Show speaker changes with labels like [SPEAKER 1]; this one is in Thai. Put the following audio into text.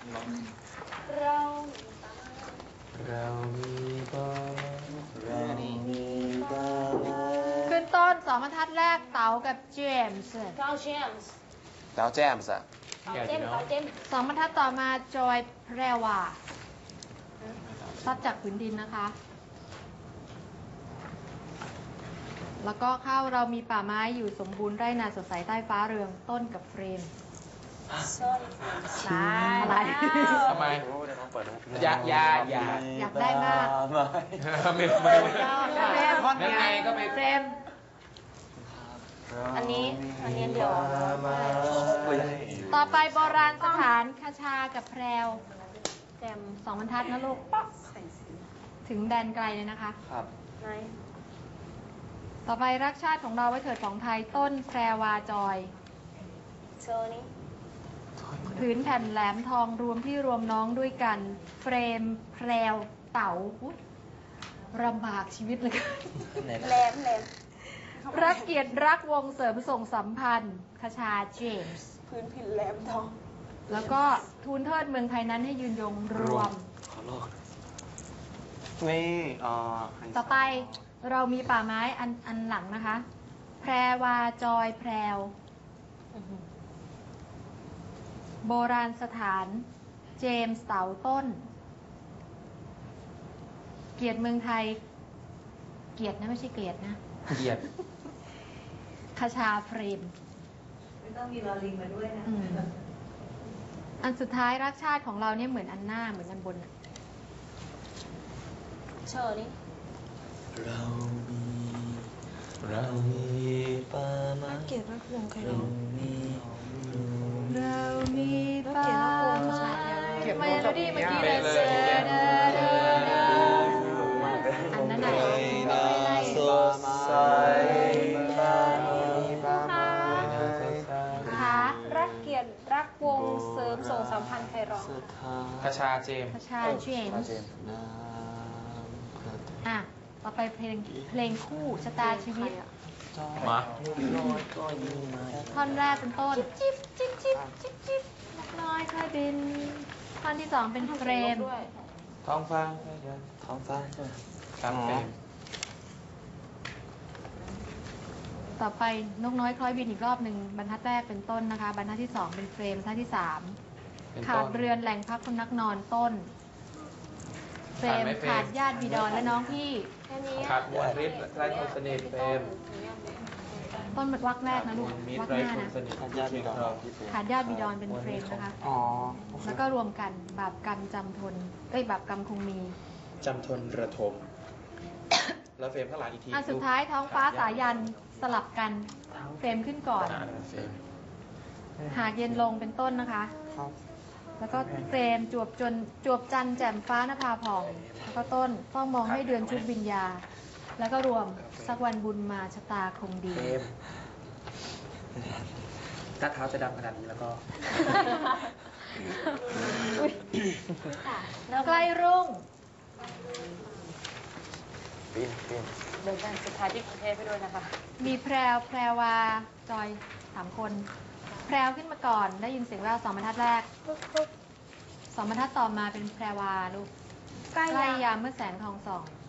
[SPEAKER 1] เรา
[SPEAKER 2] มีบ้าน
[SPEAKER 3] ขึ้นต้นสองบรรทัดแรกเต๋ากับเจมส์
[SPEAKER 1] เราเจมส์
[SPEAKER 2] ดาวแจมส์อะ
[SPEAKER 1] เราเจมส์
[SPEAKER 3] สองบรรทัดต่อมาจอยแพรวาซัดจากผืนดินนะคะ แล้วก็เข้าเรามีป่าไม้อยู่สมบูรณ์ไร่นาสดใสใต้ฟ้าเรืองต้นกับเฟรม อะไร
[SPEAKER 2] ทำไมอยาก
[SPEAKER 3] ได้มาก
[SPEAKER 2] ไม่
[SPEAKER 3] เฟรม
[SPEAKER 2] นั่นไงก็ไป
[SPEAKER 3] เฟรม
[SPEAKER 1] อันนี้เดียว
[SPEAKER 3] ต่อไปโบราณสถานคชากับแพรวแจมสองบรรทัดนะลูก ถึงแดนไกลเลยนะคะ
[SPEAKER 2] ครับ
[SPEAKER 1] ไหน
[SPEAKER 3] ต่อไปรักชาติของเราไว้เถิดของไทยต้นแพรวาจอย
[SPEAKER 1] โซนี้
[SPEAKER 3] ผืนแผ่นแหลมทองรวมที่รวมน้องด้วยกัน เฟรมแพรวเต๋าอุ๊ยลำบากชีวิตเลย
[SPEAKER 1] แหลม
[SPEAKER 3] รักเกียรติรักวงเสริมส่งสัมพันธ์คชาเจมส์
[SPEAKER 1] พื้นผินแหลมทอง
[SPEAKER 3] แล้วก็ทูลเทิดเมืองไทยนั้นให้ยืนยงรวม
[SPEAKER 2] ขอโลกนี่
[SPEAKER 3] ต่อไปเรามีป่าไม้อันหลังนะคะ แพรวาจอยแพรวโบราณสถานเจมส์เต๋าต้น เกียรติเมืองไทย เกียรตินะไม่ใช่เกลียดนะ
[SPEAKER 2] เกียรติ
[SPEAKER 3] คชาเฟรม
[SPEAKER 4] ไม่ต้องมีลอลิงมาด้วยนะ
[SPEAKER 3] อันสุดท้ายรักชาติของเราเนี่ยเหมือนอันหน้าเหมือนอันบนอะ
[SPEAKER 1] เชอนี้
[SPEAKER 2] เรามีป่าไม้
[SPEAKER 4] เกลียดรักวงใครร้อง
[SPEAKER 3] เรามีป่าไม้ไม่รู้ดิเมื่อกี้เลย อันนั้นไหนไม่ไล่
[SPEAKER 2] สดใสป่าไม้
[SPEAKER 3] ค่ะ
[SPEAKER 1] รักเกียรติรักวงเสริมส่งสัมพันธ์ใครร้อง
[SPEAKER 2] คชาเจมส์
[SPEAKER 3] คชาเจมส์อ่ะ ต่อไปเพลงคู่ชะตาชีวิต
[SPEAKER 2] มา
[SPEAKER 3] ท่อนแรกเป็นต้น จิ๊บจิ๊บจิ๊บจิ๊บจิ๊บนกน้อยค่อยบิน ท่อนที่สองเป็นเฟรม
[SPEAKER 2] ท้องฟ้าครับเฟรม
[SPEAKER 3] ต่อไปนกน้อยคล้อยบินอีกรอบหนึ่งบรรทัดแรกเป็นต้นนะคะ บรรทัดที่สองเป็นเฟรมบรรทัดที่สามขาดเรือนแหล่งพักคนนักนอนต้น เฟรมขาดญาติบิดรและน้องพี่
[SPEAKER 1] แค่นี้
[SPEAKER 2] ขาดมวลฤทธิ์ไร้คนสนิทเฟรม
[SPEAKER 3] ต้นวักแรกนะลูก
[SPEAKER 2] มิต
[SPEAKER 3] วัก
[SPEAKER 2] รไร้
[SPEAKER 3] หน้า
[SPEAKER 2] คน
[SPEAKER 3] นะ
[SPEAKER 2] สนิทญาติบิดร
[SPEAKER 3] ขาดญาติบิดรเป็นเฟรมนะคะ
[SPEAKER 2] อ๋อ
[SPEAKER 3] แล้วก็รวมกันบาปกรรมจำทนบาปกรรมคงมี
[SPEAKER 2] จำทนระทม แล้วเฟรมข้างหลังอีกที
[SPEAKER 3] อันสุดท้ายท้องฟ้าสายันสลับกันเฟรมขึ้นก่อน
[SPEAKER 2] เฟรม
[SPEAKER 3] หากเย็นลงเป็นต้นนะคะ แล้วก็เฟรมจวบจันทร์แจ่มฟ้านภาผ่อง แล้วก็ต้นต้องมองให้เดือนชุดวิญญา แล้วก็รวมสักวันบุญมาชะตาคงดี
[SPEAKER 2] เฟรมถ้าเท้าจะดำขนาดนี้แล้วก็
[SPEAKER 3] ใกล้รุ่ง
[SPEAKER 1] เดินทางสุดท้ายที่กรุงเทพไปด้วยนะคะ
[SPEAKER 3] มีแพรวาจอย3 คน แพรวขึ้นมาก่อนได้ยินเสียงแวว2 บรรทัดแรก 2 บรรทัดต่อมาเป็นแพรวาลูกใกล้ยามเมื่อแสงทองส่อง